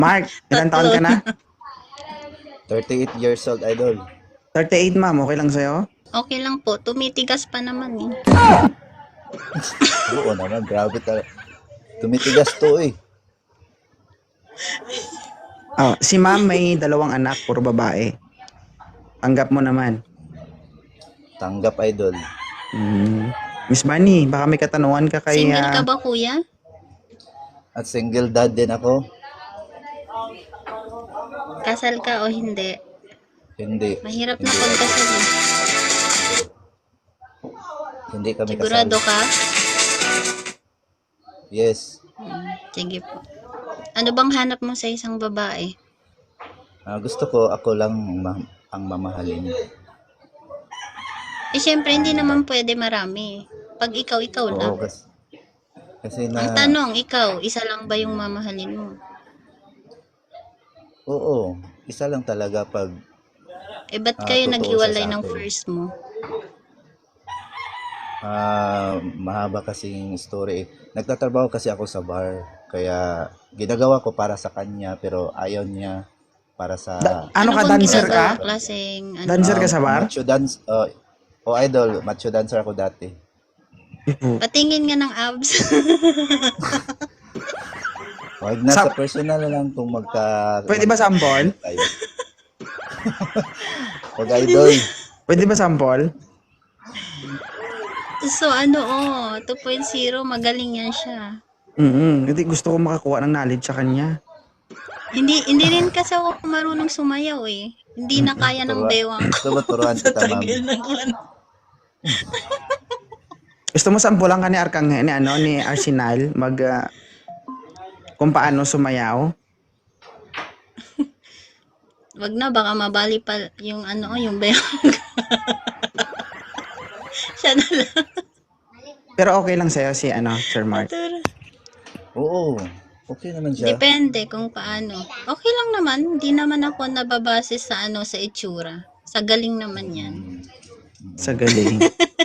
Mark, ilan taon ka na? 38 years old, idol. 38, ma'am. Okay lang sa'yo? Okay lang po. Tumitigas pa naman eh. Oo naman, grabe talaga. Tumitigas to eh. Oh, si ma'am may 2 anak, puro babae. Tanggap mo naman. Tanggap, idol. Miss Bunny, baka may katanungan ka kay... Single ka ba, kuya? At single dad din ako. Kasal ka o hindi? Hindi. Mahirap na pagkasal eh. Hindi kami Sigurado kasal. ka? Yes. Sige po. Ano bang hanap mo sa isang babae? Gusto ko ako lang ang mamahalin. Eh, syempre, hindi naman pwede marami. Pag ikaw lang. Oo, kasi na... Ang tanong, ikaw, isa lang ba yung mamahalin mo? Oo, isa lang talaga pag... Eh, ba't kayo totoo naghiwalay siya sa ng akin. first mo? Mahaba kasing story eh. Nagtatrabaho kasi ako sa bar. Kaya ginagawa ko para sa kanya pero ayaw niya para sa... Ano ka, bang dancer ginagawa? ka? Klaseng, ano? Dancer ka sa bar? Macho dance... idol, macho dancer ako dati. Patingin nga ng abs. Wag na sa personal na lang kung Pwede ba sample? Wag idol. Pwede ba sample? So, 2.0, magaling yan siya. Hindi, gusto ko makakuha ng knowledge sa kanya. Hindi rin kasi ako marunong sumayaw eh. Hindi na kaya ng bewang ko. Gusto ba turuan kita, ma'am? Gusto mo sampulan ka ni ni Arsenal kung paano sumayaw? Wag na, baka mabali pa yung yung bewang. Siya na lang. Pero okay lang sa'yo si Sir Mark. Oo. Okay naman siya. Depende kung paano. Okay lang naman. Hindi naman ako nababase sa sa itsura. Sa galing naman yan. Sa galing.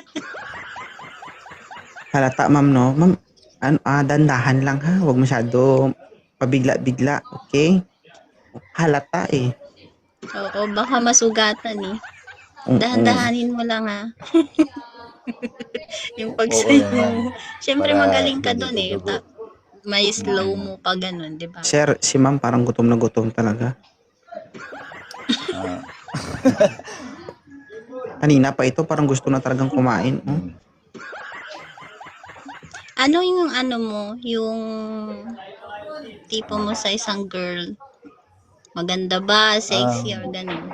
Halata, ma'am, no? Ma'am, dandahan lang ha. Huwag masyado pabigla-bigla, okay? Halata eh. Oo, baka masugatan eh. Dahan-dahanin mo lang ha. Yung pagsayo mo. Siyempre Para magaling ka doon eh. dugo-dugo. May slow mo pa ganun, di ba? Sir, si ma'am parang gutom na gutom talaga. Kanina pa ito, parang gusto na talagang kumain. Oh. Ano yung mo, yung tipo mo sa isang girl? Maganda ba? Sexy or ganun?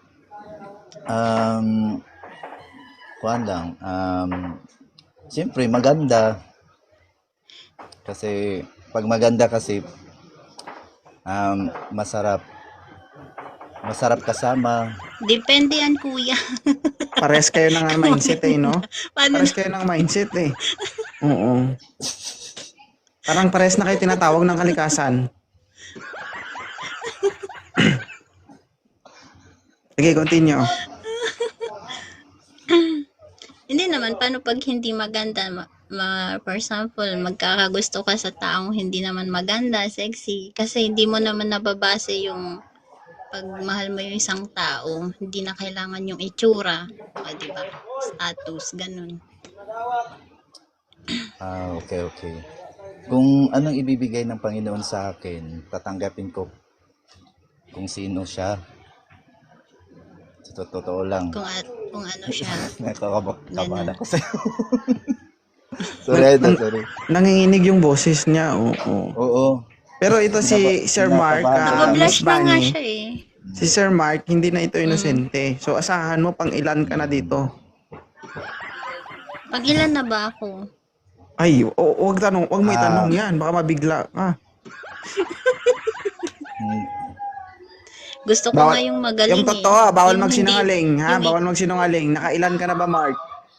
Kuan lang. Siyempre maganda. Kasi pag maganda kasi masarap kasama. Depende yan, kuya. Pares kayo ng mindset eh, no? Paano Pares kayo ng mindset eh. Oo. Parang pares na kayo tinatawag ng kalikasan. Sige, continue. Hindi naman, paano pag hindi maganda? For example, magkakagusto ka sa taong hindi naman maganda, sexy. Kasi hindi mo naman nababase yung pagmahal mo yung isang tao. Hindi na kailangan yung itsura. O, diba? Status, ganun. Okay. Kung anong ibibigay ng Panginoon sa akin, tatanggapin ko kung sino siya. Sa totoo lang. Kung ano siya. Nakakabala ko sa'yo. sorry. Nanginginig yung boses niya. Oo. Oo. Pero ito si Sir Mark, Miss Nabablush na nga Bunny, siya eh. si Sir Mark, hindi na ito inosente. So, asahan mo pang ilan ka na dito? Pag ilan na ba ako? Ay, wag mo itanong yan. Baka mabigla ka. Gusto ko nga yung magaling Yung totoo, bawal Yung magsinungaling, ha? yung- Bawal magsinungaling. Nakailan ka na ba, Mark?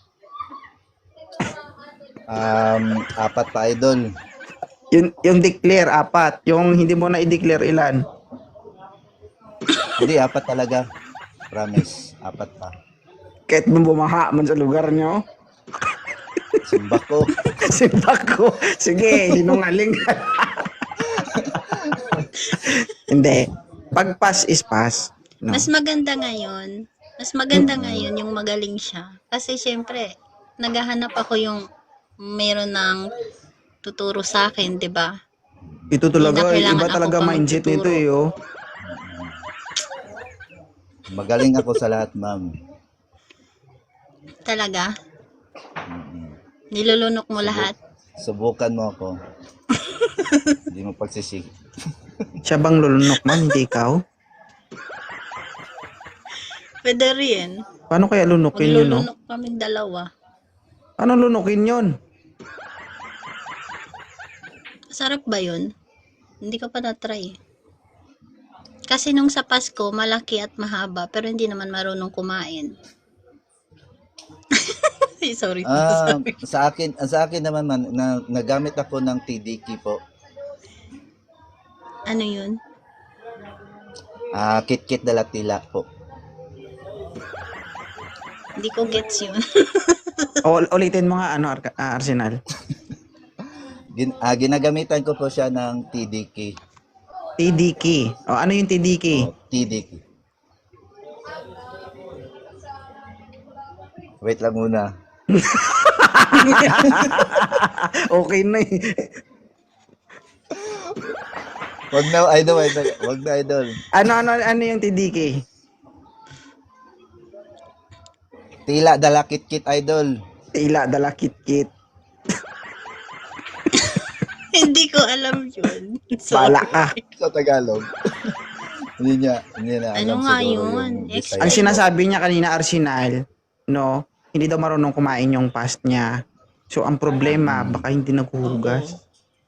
4 pa, idol. Yung declare, 4. Yung hindi mo na i-declare, ilan? Hindi, 4 talaga. Promise, 4 pa. Kahit bumaha man sa lugar nyo. Simba ko. Simbak ko. Sige, sinungaling ka. Hindi. Pag pass is pass. No? Mas maganda ngayon. Mas maganda ngayon yung magaling siya. Kasi syempre, naghahanap ako yung meron ng tuturo sa akin, di ba? Ito Hindi na talaga, kailangan iba ako talaga pa mindset nito magtuturo. eh, oh. Magaling ako sa lahat, ma'am. Talaga? Mm-mm. Nilulunok mo lahat? Subukan mo ako. Hindi mo pagsisig. Siya bang lulunok, ma'am? Hindi ikaw? Pwede rin. Paano kaya lunukin yun, no? Maglulunok kaming dalawa. Paano lunukin yun? Sarap ba yun? Hindi ko pa na-try. Kasi nung sa Pasko, malaki at mahaba, pero hindi naman marunong kumain. Sorry. Sa akin naman man, nagamit ako ng TDK po. Ano yun? Kit-kit dalatila po. Hindi ko gets yun. Ulitin mo nga, Arsenal. Ginagamitan ko po siya ng TDK. TDK. O, ano yung TDK? TDK. Wait lang muna. Okay na eh. Wag na idol. Wag na idol. Ano yung TDK? Tila dalakit-kit idol. Tila, dala, kit-kit. Hindi ko alam yun. Bala ka. Sa Tagalog. hindi niya Ano alam nga siguro yun? yung Bisaya. Ang sinasabi niya kanina, Arsenal, no, hindi daw marunong kumain yung past niya. So, ang problema, baka hindi naghuhugas.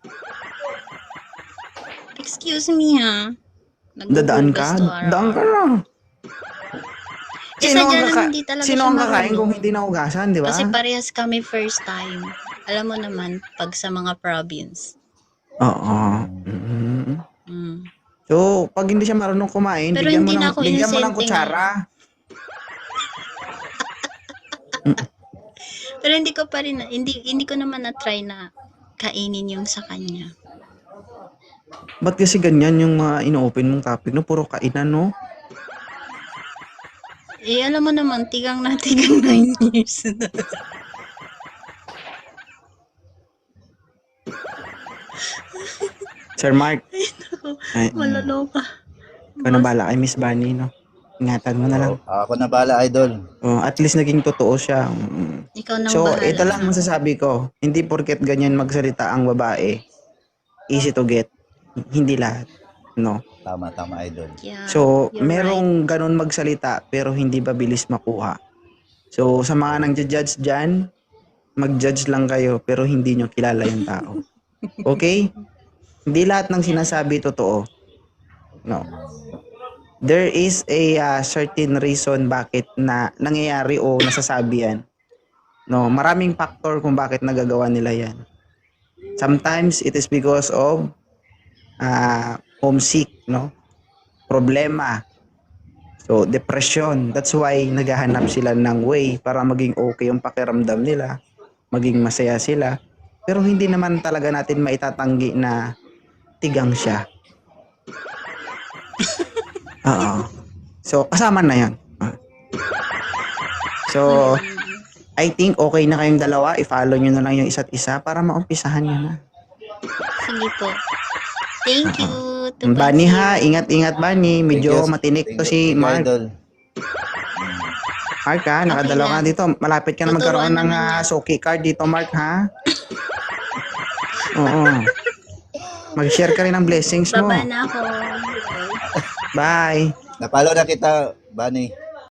Excuse me ha. Dadaan ka? Naghuhugas to, araw. Daan ka na. Eh, sadya lang hindi talaga Sino siya ang kakain marunong. kung hindi nahugasan, di ba? Kasi parehas kami first time. Alam mo naman, pag sa mga province. Oo. Mhm. Mm. So, pag hindi siya marunong kumain, Pero bigyan mo hindi na ng, ako bigyan mo ng inosente kutsara. Pero hindi ko pa rin, hindi ko naman na-try na kainin yung sa kanya. Ba't kasi ganyan yung mga ino-open mong topic, no? Puro kainan, no? Eh, alam mo naman, tigang 9 years na. Sir Mark, ay, Malaloka. ikaw na bala kay Miss Bunny, no? Ingatan mo na lang. Ako na bala idol. Oh, at least naging totoo siya. Ikaw nang So, bahala. ito lang masasabi ko. Hindi porket ganyan magsalita ang babae, easy to get. Hindi lahat. No? Tama idol. Yeah, So, you're merong ganun magsalita pero hindi ba bilis makuha. So, sa mga nang-judge dyan, mag-judge lang kayo pero hindi nyo kilala yung tao. Okay? Hindi lahat ng sinasabi totoo. No. There is a certain reason bakit na nangyayari o nasasabi yan. No, maraming factor kung bakit nagagawa nila yan. Sometimes it is because of homesick, no? Problema. So, depression. That's why naghahanap sila ng way para maging okay yung pakiramdam nila, maging masaya sila. Pero hindi naman talaga natin maitatanggi na tigang siya. Oo. So, kasama na yan. So, I think okay na kayong dalawa. I-follow nyo na lang yung isa't isa para maumpisahan nyo na. Sige po. Thank you. Bunny ha, ingat-ingat Bunny. Medyo Thank you. matinik to Thank si you, Mark. idol. Mark ha, nakadalaw ka lang. dito. Malapit ka na magkaroon Tuturuan ng naman yan. Suki card dito, Mark ha. Oo. Mag-share ka rin ng blessings mo. Baba na ako. Bye. Napalo na kita, Bunny.